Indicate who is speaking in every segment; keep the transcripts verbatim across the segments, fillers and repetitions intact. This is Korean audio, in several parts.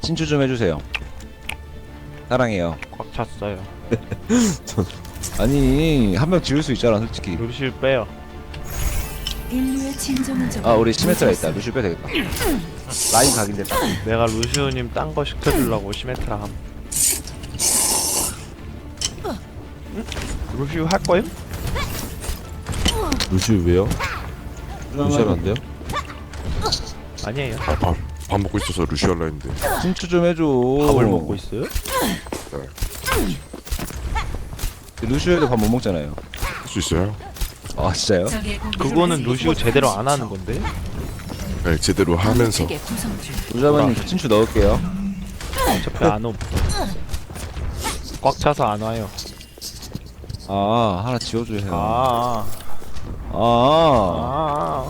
Speaker 1: 친추 좀 해주세요. 사랑해요.
Speaker 2: 꽉 찼어요.
Speaker 1: 아니 한 명 지울 수 있잖아 솔직히.
Speaker 2: 루시를 빼요.
Speaker 3: 인류의 진정한 적.
Speaker 1: 아 우리 시메트라 있다. 루시우 빼야 되겠다. 라인 각인데.
Speaker 2: 내가 루시우님 딴 거 시켜주려고 시메트라 함. 응? 루시우 할 거예요?
Speaker 4: 루시우 왜요? 루시우는 안 돼요?
Speaker 2: 아니에요.
Speaker 5: 밥, 밥 먹고 있어서 루시 할라 했는데.
Speaker 1: 친추 좀 해줘.
Speaker 2: 밥을 먹고 있어요?
Speaker 1: 루시우도 밥 못 먹잖아요.
Speaker 5: 할 수 있어요?
Speaker 1: 아 진짜요?
Speaker 2: 그거는 루시우 제대로 안 하는 건데.
Speaker 5: 네, 제대로 하면서.
Speaker 1: 루자마님 친추 넣을게요.
Speaker 2: 어차피 안 옴. 꽉 차서 안 와요.
Speaker 1: 아 하나 지워줘야 해요.
Speaker 2: 아.
Speaker 1: 아.
Speaker 2: 아.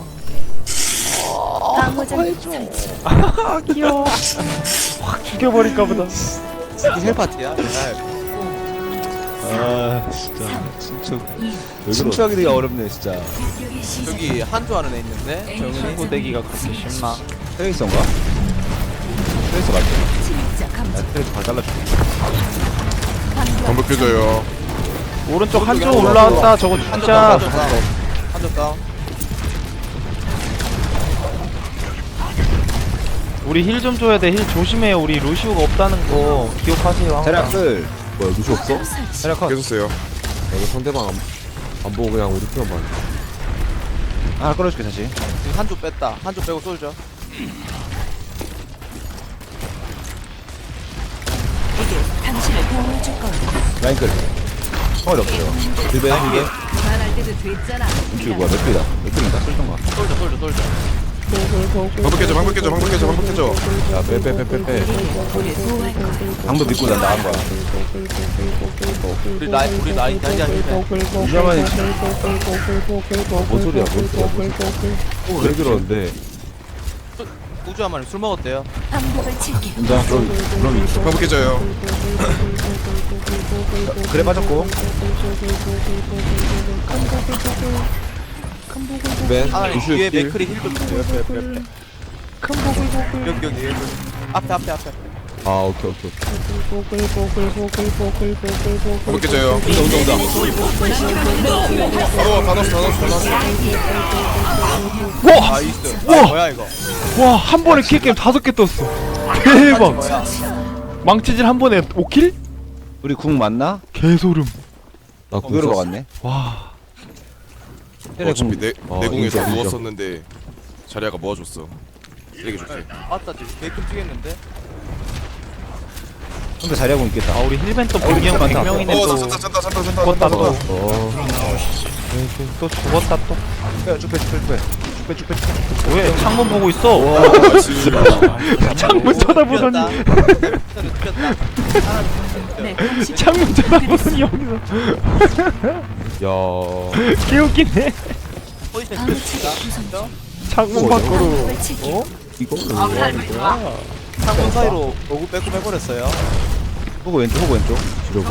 Speaker 3: 방어장 설치.
Speaker 2: 아 귀여워. 확 죽여버릴까 보다.
Speaker 6: 이게 헬파티야?
Speaker 2: 아 진짜.
Speaker 1: 친추. 친추하기 되게 어렵네 진짜.
Speaker 3: 공격의 시작.
Speaker 6: 저기 한조 하는 애 있는데 정은이
Speaker 2: 친구 되기가 그렇게 쉽나?
Speaker 1: 트레이서인가? 트레이서 맞죠?
Speaker 3: 진짜 감정.
Speaker 1: 나 트레이서 발 잘라줄게.
Speaker 5: 반복 껴줘요.
Speaker 2: 오른쪽 한쪽
Speaker 6: 한쪽
Speaker 2: 올라왔다. 저거
Speaker 6: 한조
Speaker 2: 진짜.
Speaker 6: 다운 한조 다운 한조 다운
Speaker 2: 우리 힐 좀 줘야 돼. 힐 조심해요. 우리 루시우가 없다는 거 기억하세요. 항상.
Speaker 1: 자략 끌.
Speaker 4: 뭐야 루시우 없어? 야,
Speaker 1: 자략 컷.
Speaker 5: 깨졌어요.
Speaker 4: 이거 상대방 안, 안 보고 그냥 우리 편만 봐.
Speaker 1: 하나 끌어줄게 다시.
Speaker 6: 지금 한조 뺐다 한조 빼고 쏠죠
Speaker 3: 이게 당신을 보호해줄 거야.
Speaker 1: 라인 끌. 성월이 없어요. 딜베 이게.
Speaker 3: 말할 때도 됐잖아.
Speaker 1: 인출 뭐야 몇 개다. 몇 개는 딱 쓸던가.
Speaker 6: 쏠죠 쏠죠 쏠죠
Speaker 5: 반복 껴줘, 반복 껴줘, 반복 껴줘, 반복 껴줘.
Speaker 1: 야빼빼빼빼빼.
Speaker 3: 우리 보호할 거야.
Speaker 1: 방도 믿고 난 나간 거야.
Speaker 6: 우리 라인 우리 라인 다시 하실래
Speaker 1: 루자마님
Speaker 4: 뭔 소리야 뭔 소리야 뭔 소리야 왜 그러는데
Speaker 6: 우주한마님 술 먹었대요
Speaker 3: 방법을 칠게.
Speaker 1: 인정. 그럼 그럼 있어.
Speaker 5: 반복 껴줘요.
Speaker 1: 그래 빠졌고. 딜베.
Speaker 6: 하나님
Speaker 1: 루시우
Speaker 6: 뒤에
Speaker 1: 딜.
Speaker 6: 맥크리 힐좀 주세요 옆에 옆에 옆에 여기 여기 여기 앞에 앞에 앞에
Speaker 4: 아 오케이 오케이
Speaker 5: 반복 껴줘요.
Speaker 1: 온다 온다 온다.
Speaker 5: 바로 다 넣었어, 다 넣었어, 다 넣었어.
Speaker 2: 와!
Speaker 6: 나이스
Speaker 2: 우와!
Speaker 6: 아, 뭐야 이거
Speaker 2: 와, 한 번에 킬게임 다섯 개 떴어. 대박.
Speaker 6: 뭐야
Speaker 2: 망치질 한 번에 오 킬?
Speaker 1: 우리 궁 맞나?
Speaker 2: 개소름.
Speaker 4: 나
Speaker 1: 어그로
Speaker 4: 궁
Speaker 1: 갔네.
Speaker 2: 와.
Speaker 5: 어차피 내,
Speaker 4: 어,
Speaker 5: 내 공에서
Speaker 4: 인정, 인정.
Speaker 5: 누웠었는데 자리아가 모아줬어. 되게 좋지.
Speaker 6: 아따 지금 개 끔찍했는데
Speaker 1: 근데 자리하고 있겠다.
Speaker 2: 아, 우리 힐벤 또
Speaker 1: 우리
Speaker 2: 백 명,
Speaker 1: 많다.
Speaker 2: 백 명이네
Speaker 5: 어,
Speaker 2: 또.
Speaker 5: 잔다, 잔다, 잔다, 잔다.
Speaker 2: 죽었다 또.
Speaker 4: 어
Speaker 2: 또 죽었다 또.
Speaker 1: 빼, 쭉 빼, 쭉 빼, 쭉 빼. 쭉 빼, 쭉 빼, 쭉 빼.
Speaker 2: 왜 창문 보고 있어?
Speaker 5: 아, 진짜.
Speaker 2: 창문 쳐다보더니
Speaker 6: 죽였다
Speaker 3: 내 공식
Speaker 2: 창문 쳐다보더니 여기서
Speaker 4: 야
Speaker 2: 개웃기네.
Speaker 6: 포지션
Speaker 3: 방어
Speaker 6: 죽였다
Speaker 3: 체계 구성.
Speaker 2: 창문 밖으로.
Speaker 3: 방법을 칠게.
Speaker 2: 어?
Speaker 4: 이거는
Speaker 2: 아,
Speaker 4: 뭐 하는 거야?
Speaker 6: 창문 사이로 로고 빼고 빼버렸어요
Speaker 1: 호구 왼쪽, 호구 왼쪽.
Speaker 4: 지려고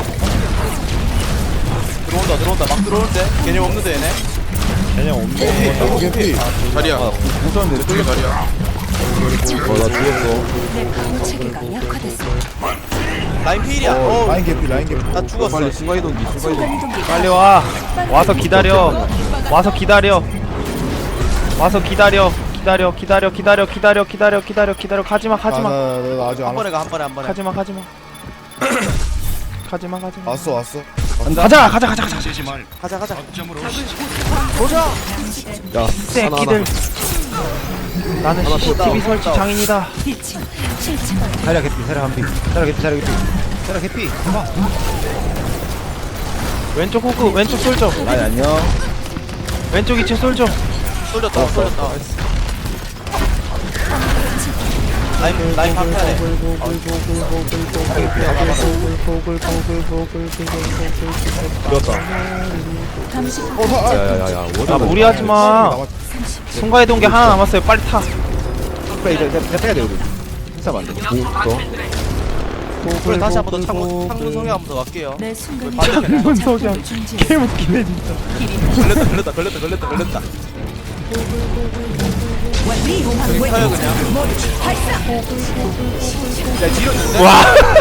Speaker 6: 들어온다 들어온다 막 들어오는데 개념 없는데 얘네
Speaker 2: 그냥 없네.
Speaker 5: 개피. 자리야.
Speaker 1: 무서운데
Speaker 5: 저기 자리야.
Speaker 4: 어나 죽었어
Speaker 3: 내 방어 체계가 약화됐어.
Speaker 6: 라인 필이야 어
Speaker 4: 라인 개피 라인 개피
Speaker 6: 나 죽었어
Speaker 4: 빨리 순간이동기 순간이동기
Speaker 2: 빨리 와. 와서 기다려. 와서 기다려. 와서 기다려. 기다려. 기다려. 기다려. 기다려. 기다려. 기다려. 기다려. 가지마. 가지마.
Speaker 4: 나 아직
Speaker 6: 한 번에 가 한 번에 한 번에
Speaker 2: 가지마. 가지마. 가지마. 가지마.
Speaker 4: 왔어 왔어
Speaker 2: 가자. 가자. 가자. 가자. 가자.
Speaker 6: 가자 가자
Speaker 2: 새끼들. 나는 씨씨티비 설치 장인이다.
Speaker 3: 빛이 실체.
Speaker 1: 자리야 개피, 자리야 한 피. 자리야 개피, 자리야 개피. 자리야 개피. 봐봐.
Speaker 2: 왼쪽 호크. 왼쪽 솔져.
Speaker 1: 라인 안녕.
Speaker 2: 왼쪽 이층 솔져.
Speaker 6: 쏠렸다 쏠렸다 라인 라인 방패야 돼
Speaker 3: 감시
Speaker 4: 야야야야
Speaker 2: 아 무리하지 마. 순간이동기 하나 남았어요. 빨리 타.
Speaker 1: 그래 이제 이제 빼야 돼 우리. 힘싸면 안 돼.
Speaker 6: 그래 다시 한 번 더 창문 창문 성에 한 번 더 갈게요
Speaker 3: 내 순간
Speaker 2: 창문 석양.
Speaker 3: 중지.
Speaker 2: 개웃기네 진짜.
Speaker 6: 걸렸다 걸렸다 걸렸다 걸렸다 걸렸다 타요 그냥 야 뒤로 있는데?
Speaker 2: 와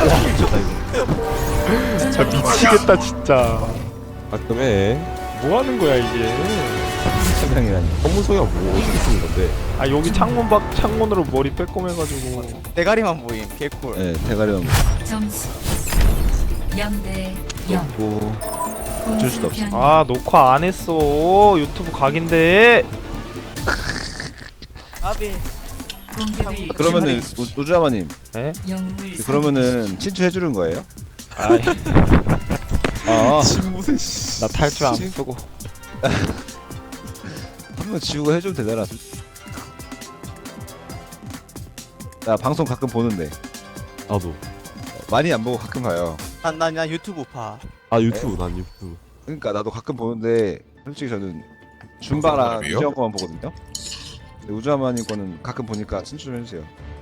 Speaker 2: 진짜 미치겠다 진짜.
Speaker 4: 가끔 해.
Speaker 2: 뭐 하는 거야 이게.
Speaker 1: 성향이라니.
Speaker 4: 검문소야 뭐 어떻게 쓰는 건데?
Speaker 2: 아 여기 창문 밖 창문으로 머리 빼꼼해가지고.
Speaker 6: 대가리만 보임 개꿀.
Speaker 1: 네, 대가리만
Speaker 3: 점수 영 대 영.
Speaker 1: 먹고 어쩔 수도 없어.
Speaker 2: 아 녹화 안 했어. 유튜브 각인데.
Speaker 6: 아비.
Speaker 1: 그러면은 우- 우주아마님,
Speaker 2: 에?
Speaker 3: 영웅을
Speaker 1: 그러면은 친추해 주는 거예요?
Speaker 2: 아이,
Speaker 1: 아,
Speaker 4: 신무새
Speaker 2: 나 탈출 안 쓰고.
Speaker 1: 한 번 지우고 해주면 되잖아. 나 방송 가끔 보는데
Speaker 4: 나도.
Speaker 1: 많이 안 보고 가끔 봐요.
Speaker 6: 난난 유튜브 파.
Speaker 4: 아 유튜브 난 유튜브.
Speaker 1: 그러니까 나도 가끔 보는데 솔직히 저는 준바랑
Speaker 5: 사람이에요?
Speaker 1: 우주아 거만 보거든요. 근데 우주아마님 거는 가끔 보니까 친추 좀 해주세요.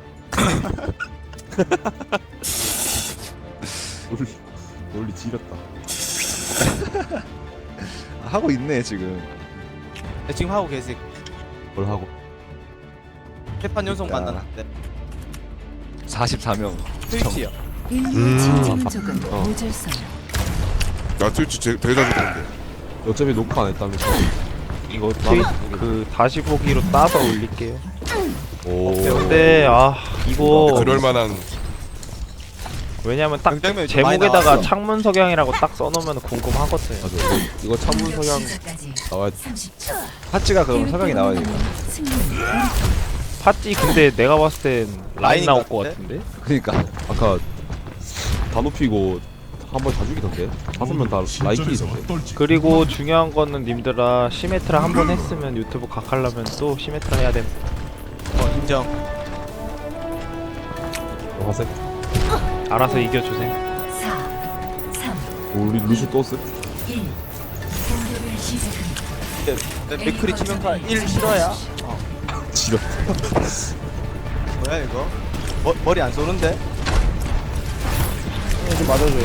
Speaker 4: 논리 논리 지렸다.
Speaker 1: 아, 하고 있네 지금.
Speaker 6: 네, 지금 하고 계세요.
Speaker 4: 뭘 하고?
Speaker 6: 개판 연속
Speaker 1: 그러니까.
Speaker 6: 만났는데.
Speaker 1: 사십사 명.
Speaker 6: 트위치요.
Speaker 3: 인류의 진정 조금
Speaker 4: 어.
Speaker 3: 모질서요.
Speaker 5: 나 트위치 제- 되게 자주 보는데.
Speaker 4: 어차피 녹화 안 했다면서.
Speaker 2: 이거 트윗 그 다시 보기로 따서 올릴게요.
Speaker 4: 오.
Speaker 2: 근데 아 이거
Speaker 5: 그럴 만한
Speaker 2: 왜냐면 딱
Speaker 6: 굉장히 좀 많이
Speaker 2: 제목에다가
Speaker 6: 나왔어.
Speaker 2: 창문 석양이라고 딱 써놓으면 궁금하거든.
Speaker 4: 맞아. 이거, 이거 창문 성향 나와야 돼.
Speaker 3: 삼십 초.
Speaker 1: 파츠가 그럼 석양이 나와야 돼.
Speaker 3: 승리.
Speaker 2: 팥지 근데 내가 봤을 땐 라인
Speaker 6: 라인
Speaker 2: 나올 것
Speaker 6: 같은데?
Speaker 2: 같은데?
Speaker 1: 그러니까
Speaker 4: 아까 다 높이고 한 번 다 죽이던데. 다섯 명 다 라이키던데.
Speaker 2: 그리고 중요한 거는 님들아 시메트라 한 번 했으면 유튜브 각하려면 또 시메트라 해야 됨.
Speaker 6: 어 인정.
Speaker 4: 어, 화색.
Speaker 2: 알아서 이겨주세요.
Speaker 3: 사, 삼,
Speaker 4: 우리 루시 또 쓰?
Speaker 3: 일. 공격을 시작합니다.
Speaker 6: 내 맥크리 치명타 일 실화야. 어.
Speaker 4: 지렸.
Speaker 6: 뭐야 이거? 머, 머리 안 쏘는데?
Speaker 1: 좀 맞아줘.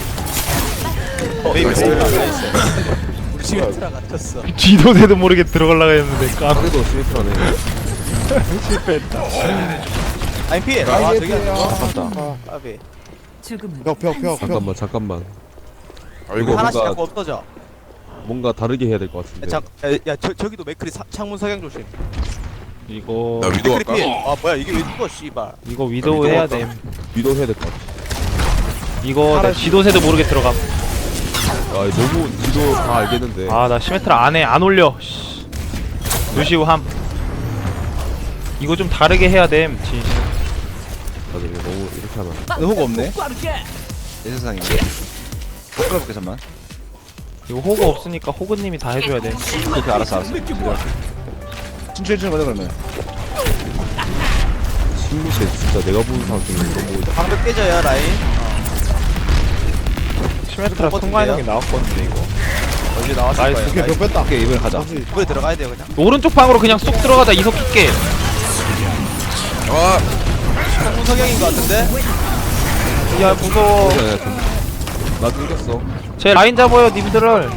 Speaker 6: 어, 베이비
Speaker 5: 나이스.
Speaker 6: 나이스. 우리 시멘트라 같았어.
Speaker 2: 뒤도새도 모르게 들어가려고 했는데 깜
Speaker 4: 그래도 스위트라네.
Speaker 2: 실패했다.
Speaker 6: 아니 피해. 아 저기 안 돼.
Speaker 4: 아깝다.
Speaker 6: 아비.
Speaker 3: 죽음은
Speaker 1: 벽벽벽
Speaker 4: 잠깐만 잠깐만.
Speaker 5: 아이고
Speaker 6: 하나씩
Speaker 4: 뭔가-
Speaker 6: 자꾸 없어져.
Speaker 4: 뭔가 다르게 해야 될 것
Speaker 6: 야,
Speaker 4: 같은데.
Speaker 6: 자, 야, 야 저, 저기도 맥크리 사, 창문 석양 조심.
Speaker 2: 이거
Speaker 5: 나 위도
Speaker 6: 맥크리
Speaker 5: 할까?
Speaker 6: 피해. 아 뭐야 이게 왜 죽어 씨발.
Speaker 2: 이거 위도우
Speaker 5: 위도우
Speaker 2: 해야
Speaker 5: 할까?
Speaker 2: 됨.
Speaker 4: 위도 해야 될 것 같아.
Speaker 2: 이거 내 지도새도 모르게 들어감.
Speaker 4: 아 너무 위도 다 알겠는데.
Speaker 2: 아 나 시메트라 안해 안 올려. 씨. 루시우 함. 이거 좀 다르게 해야 됨. 진심.
Speaker 4: 맞아 이거 너무 이렇게 하면.
Speaker 1: 호가 없네. 내 세상에. 끌어볼게 잠만.
Speaker 2: 이거 호구 없으니까 호구님이 다 해줘야 돼.
Speaker 1: 그렇게 알았어 알았어. 친추해 주는 거죠 그러면.
Speaker 4: 신무새 진짜 내가 보는 사람 중에 너무
Speaker 6: 방벽 깨져야 라인.
Speaker 2: 시메트라
Speaker 6: 좀
Speaker 2: 순간이동이 나왔거든데 이거.
Speaker 6: 어디 나왔을
Speaker 2: 나이스.
Speaker 6: 거야.
Speaker 1: 오케이 벽 뺐다. 오케이 이번에 가자.
Speaker 6: 이번에 들어가야 돼요 그냥.
Speaker 2: 오른쪽 방으로 그냥 쏙 들어가다 이속 킬게.
Speaker 5: 아
Speaker 6: 창문 석양인 것 같은데?
Speaker 2: 야 무서워.
Speaker 4: 나 끊겼어.
Speaker 2: 제 라인 잡아요 님들을.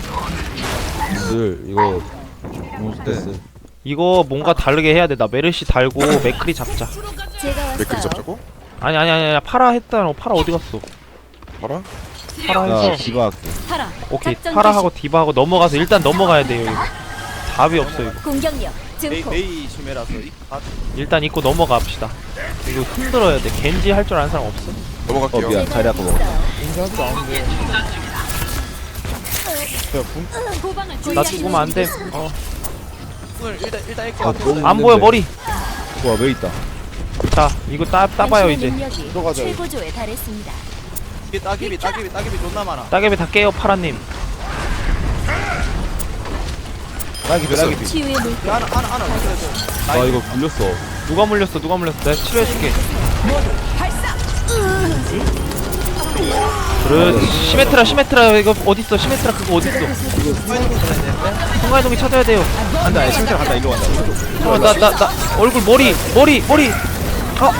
Speaker 4: 늘 이거
Speaker 1: 네.
Speaker 4: 됐어.
Speaker 2: 이거 뭔가 다르게 해야 돼. 나 메르시 달고 맥크리 잡자.
Speaker 3: 제가
Speaker 5: 맥크리 잡자고?
Speaker 2: 아니 아니 아니 아니 파라 했다. 파라 어디 갔어?
Speaker 5: 봐라.
Speaker 2: 파라
Speaker 1: 나
Speaker 2: 해서
Speaker 1: 디바 할게.
Speaker 3: 파라.
Speaker 2: 오케이
Speaker 3: 작전
Speaker 2: 파라하고 디바하고 넘어가서 일단 넘어가야 돼요. 이거. 답이 없어 이거.
Speaker 3: 공격력
Speaker 6: 메이,
Speaker 3: 증폭.
Speaker 6: 메이 심해라서 이 아,
Speaker 2: 일단 입고 넘어갑시다. 이거 흔들어야 돼. 겐지 할 줄 아는 사람 없어?
Speaker 1: 어
Speaker 5: 넘어갈게요.
Speaker 1: 미안 자리 아까 먹어.
Speaker 3: 후방을
Speaker 2: 나 죽으면 안 돼. 어.
Speaker 6: 오늘 일단 일단 이렇게
Speaker 4: 아,
Speaker 6: 앞으로
Speaker 4: 너무-
Speaker 2: 안 보여 머리.
Speaker 1: 와 왜 있다.
Speaker 2: 자 이거 따 따봐요 이제.
Speaker 3: 들어가자. 최고조에 달했습니다.
Speaker 6: 이게 따기비 따기비 따기비 존나 많아.
Speaker 2: 따개비 다 깨요 파라님.
Speaker 1: 나기 나기.
Speaker 3: 치유의 물.
Speaker 6: 이거 하나 하나 하나 올려줘.
Speaker 4: 나 이거 굴렸어.
Speaker 2: 누가 물렸어 누가 물렸어. 내가 치료해줄게. 그렇지. 시메트라 시메트라 이거 어딨어 시메트라 그거 어딨어. 순간이동이 찾아야 돼요.
Speaker 1: 간다. 아니 심지어 간다. 일로 간다.
Speaker 2: 잠깐만 나 나 나 얼굴 머리 머리 머리. 아.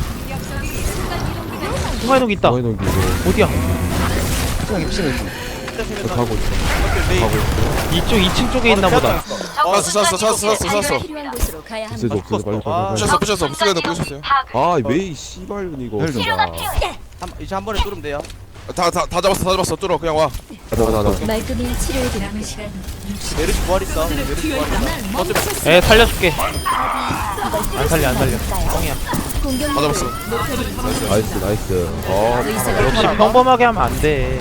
Speaker 2: 순간이동 있다.
Speaker 4: 너희 넘기 이거.
Speaker 2: 어디야?
Speaker 1: 그냥 입심해.
Speaker 6: 때 세면
Speaker 4: 가고 있어.
Speaker 6: 메인.
Speaker 4: 가고 있어.
Speaker 2: 이쪽 이 층 쪽에 있나 보다.
Speaker 5: 쐈어 쐈어 쐈어 쐈어 쐈어
Speaker 3: 필요한 곳으로 가야
Speaker 4: 있어도
Speaker 3: 합니다.
Speaker 4: 없어. 빨리
Speaker 6: 아,
Speaker 4: 빨리
Speaker 5: 부셨어 부셨어 부셨어 부셨어요
Speaker 4: 빨리. 아 메이 씨발 이거.
Speaker 1: 헬 좀.
Speaker 4: 진짜.
Speaker 6: 한, 이제 한 번에 뚫으면 돼요.
Speaker 5: 다다 다 잡았어 다 잡았어 뚫어 그냥 와
Speaker 4: 가자 가자 가자.
Speaker 3: 말끔히 치료해드립니다.
Speaker 6: 메르시 부활 있어. 메르시 부활 있어. 어차피
Speaker 2: 에 살려줄게. 안 살려 안 살려. 뻥이야.
Speaker 3: 공격
Speaker 5: 다 잡았어
Speaker 4: 나이스 나이스. 어
Speaker 3: 의사가
Speaker 2: 역시 평범하게 하면 안 돼.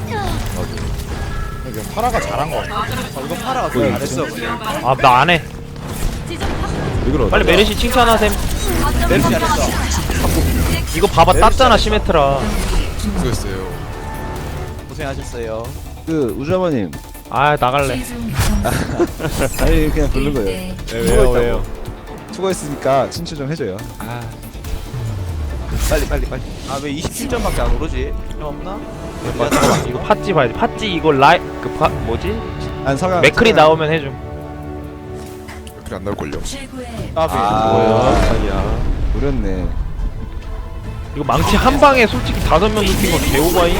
Speaker 6: 파라가 잘한 거 같아. 어, 이거 파라가
Speaker 4: 거의
Speaker 6: 더 잘했어.
Speaker 2: 아 나 안 해.
Speaker 4: 이걸
Speaker 2: 빨리 메르시 칭찬하셈.
Speaker 6: 메르시 잘했어.
Speaker 2: 이거 봐봐 땄잖아 시메트라.
Speaker 5: 수고했어요
Speaker 6: 고생하셨어요.
Speaker 1: 그 우주아버님.
Speaker 2: 아 나갈래.
Speaker 1: 아니 그냥 부른 거예요.
Speaker 2: 왜요 왜요?
Speaker 1: 수고했으니까 친추 좀 해줘요.
Speaker 2: 아
Speaker 6: 빨리 빨리 빨리. 아 왜 이십칠 점밖에 안 오르지? 좀 없나?
Speaker 2: 맞아. 이거 팥찌 봐야지. 팥찌 이거 라이 그파 뭐지?
Speaker 1: 안 서가.
Speaker 2: 맥클이 나오면 해줌.
Speaker 5: 그래 안 나올걸요
Speaker 6: 아,
Speaker 1: 아.
Speaker 4: 뭐야? 아니야.
Speaker 1: 노렸네.
Speaker 2: 이거 망치 한 방에 솔직히 다섯 명 눕힌 거 개오바이.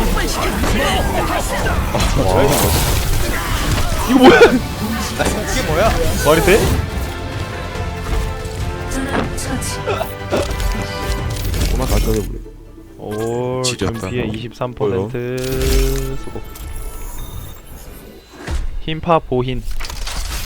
Speaker 2: 이거 뭐야?
Speaker 6: 이게 뭐야?
Speaker 2: 말이 돼?
Speaker 4: 그만 다 쳐내버려.
Speaker 2: 오,
Speaker 5: 지렸다.
Speaker 2: 준비에 이십삼 퍼센트 수고. 흰파 보흰.